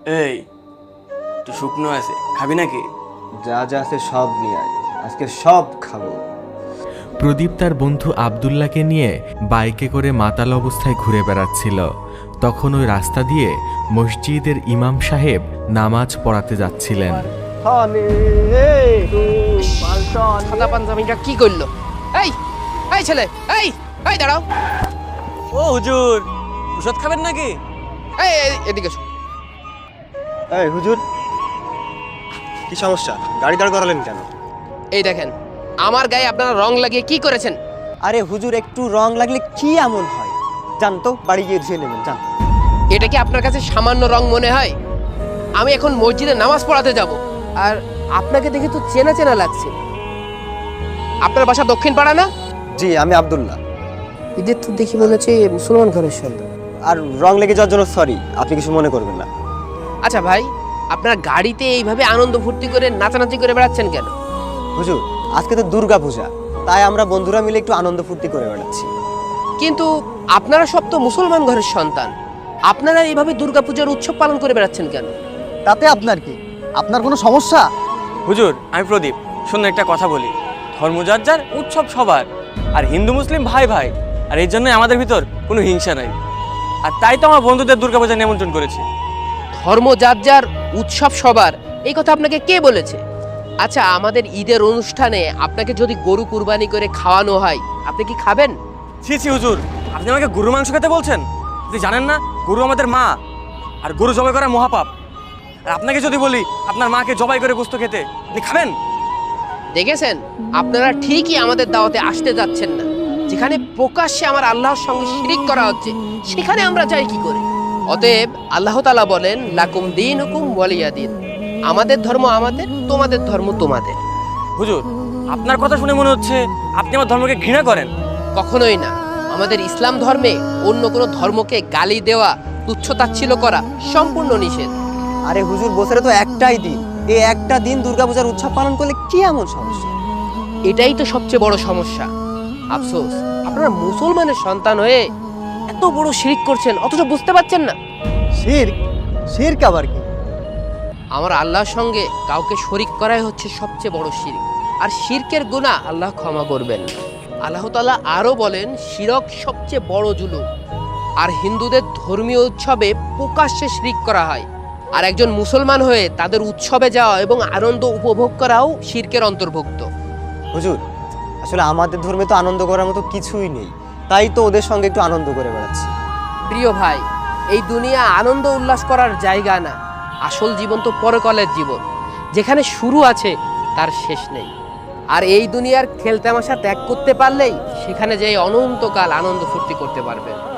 এই তুই শুকনো আছে, খাবি নাকি? যা যা আছে সব নিয়ে আয়, আজকে সব খাবো। প্রদীপ তার বন্ধু আবদুল্লাহকে নিয়ে বাইকে করে মাতাল অবস্থায় ঘুরে বেড়াচ্ছিল। তখন ওই রাস্তা দিয়ে মসজিদের ইমাম সাহেব নামাজ পড়াতে যাচ্ছিলেন। সাদা পাঞ্জাবিটা কি করলো? এই এই ছেলে, এই এই দাঁড়াও। ও হুজুর, ওষুধ খাবেন নাকি? এই এদিকে এসো। এই হুজুর, কি সমস্যা? গাড়ি দাঁড় করালেন কেন? এই দেখেন, আমার গায়ে আপনারা রং লাগিয়ে কি করেছেন? আরে হুজুর, একটু রং লাগলে কি এমন হয়? জান তো, বাড়ি গিয়ে ধুয়ে নেবেন, জান। এটা কি আপনার কাছে সামান্য রং মনে হয়? আমি এখন মসজিদে নামাজ পড়াতে যাব, আর আপনাকে দেখে তো চেনা চেনা লাগছে। আপনার বাসা দক্ষিণ পাড়া না? জি, আমি আব্দুল্লাহ। এদের তো দেখি মনে হচ্ছে মুসলমান ঘরের সন্তান। আর রং লেগে যাওয়ার জন্য সরি, আপনি কিছু মনে করবেন না। আচ্ছা ভাই, আপনার গাড়িতে এইভাবে আনন্দ ফুর্তি করে নাচানাচি করে বেড়াচ্ছেন কেন? হুজুর, আজকে তো দুর্গা পূজা, তাই আমরা বন্ধুরা মিলে একটু আনন্দ ফুর্তি করে বেড়াচ্ছি। কিন্তু আপনারা সব তো মুসলমান ঘরের সন্তান, আপনারা এইভাবে দুর্গাপূজার উৎসব পালন করে বেড়াচ্ছেন কেন? তাতে আপনার কি? আপনার কোনো সমস্যা? হুজুর, আমি প্রদীপ। শুনুন, একটা কথা বলি, ধর্ম যার যার, উৎসব সবার, আর হিন্দু মুসলিম ভাই ভাই। আর এই জন্যই আমাদের ভিতর কোনো হিংসা নাই। আর তাই তো আমার বন্ধুদের দুর্গাপূজা নিমন্ত্রণ করেছি। ধর্ম যার যার, উৎসব সবার, এই কথা আপনাকে কে বলেছে? আচ্ছা, আমাদের ঈদের অনুষ্ঠানে আপনাকে যদি গরু কুরবানি করে খাওয়ানো হয়, আপনি কি খাবেন? ছি ছি হুজুর, আপনি আমাকে গরুর মাংস খেতে বলছেন? আপনি জানেন না গরু আমাদের মা, আর গরু জবাই করা মহাপাপ। আর আপনাকে যদি বলি আপনার মাকে জবাই করে গোশত খেতে, আপনি খাবেন? দেখেছেন, আপনারা ঠিকই আমাদের দাওয়াতে আসতে যাচ্ছেন না। যেখানে প্রকাশ্যে আমার আল্লাহর সঙ্গে শিরিক করা হচ্ছে, সেখানে আমরা যাই কি করে? অতএব আল্লাহ তাআলা বলেন, লাকুম দীনুকুম ওয়ালিয়া দীন। আমাদের ধর্ম আমাদের, তোমাদের ধর্ম তোমাদের। হুজুর, আপনার কথা শুনে মনে হচ্ছে আপনি আমার ধর্মকে ঘৃণা করেন। কখনোই না। আমাদের ইসলাম ধর্মে অন্য কোনো ধর্মকে গালি দেওয়া, তুচ্ছতাচ্ছিল্য করা সম্পূর্ণ নিষেধ। আরে হুজুর, বছরে তো একটাই দিন, এই একটা দিন দুর্গাপূজার উৎসব পালন করলে কি এমন সমস্যা? এটাই তো সবচেয়ে বড় সমস্যা। আফসোস, আপনারা মুসলমানের সন্তান হয়ে এত বড় শিরক করছেন, অথচ বুঝতে পারছেন না। শিরক? শিরক আবার কি? আমার আল্লাহর সঙ্গে কাউকে শরিক করাই হচ্ছে সবচেয়ে বড় শিরক। আর শিরকের গুনাহ আল্লাহ ক্ষমা করবেন না। আল্লাহ তাআলা আরো বলেন, শিরক সবচেয়ে বড় জুলুম। আর হিন্দুদের ধর্মীয় উৎসবে প্রকাশ্যে শিরক করা হয়, আর একজন মুসলমান হয়ে তাদের উৎসবে যাওয়া এবং আনন্দ উপভোগ করাও শিরকের অন্তর্ভুক্ত। হুজুর, আসলে আমাদের ধর্মে তো আনন্দ করার মতো কিছুই নেই, তাই তো ওদের সঙ্গে একটু আনন্দ করে বেড়াচ্ছি। প্রিয় ভাই, এই দুনিয়া আনন্দ উল্লাস করার জায়গা না। আসল জীবন তো পরকালের জীবন, যেখানে শুরু আছে তার শেষ নেই। আর এই দুনিয়ার খেলতামাশা ত্যাগ করতে পারলেই সেখানে যেয়ে অনন্তকাল আনন্দ ফুর্তি করতে পারবেন।